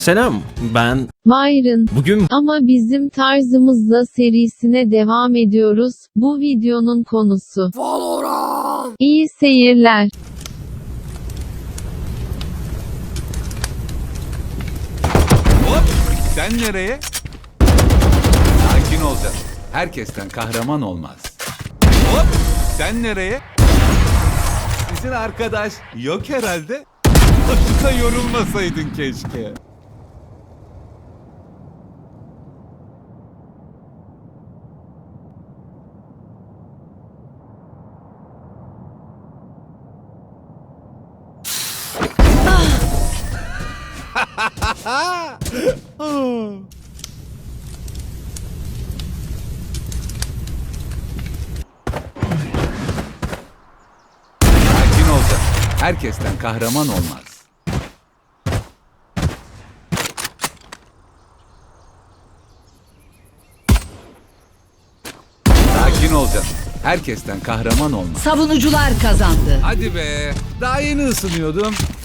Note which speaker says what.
Speaker 1: Selam, ben
Speaker 2: Byron.
Speaker 1: bugün
Speaker 2: Ama bizim tarzımızla serisine devam ediyoruz. Bu videonun konusu
Speaker 3: Valorant.
Speaker 2: İyi seyirler.
Speaker 3: Hop! Sen nereye? Sakin olacaksın. Herkesten kahraman olmaz. Hop! Sen nereye? Sizin arkadaş yok herhalde. Boşuna yorulmasaydın keşke. Sakin olacaksın. Herkesten kahraman olmaz. Sakin olacaksın. Herkesten kahraman olmaz.
Speaker 4: Savunucular kazandı.
Speaker 3: Hadi be. Daha yeni ısınıyordum.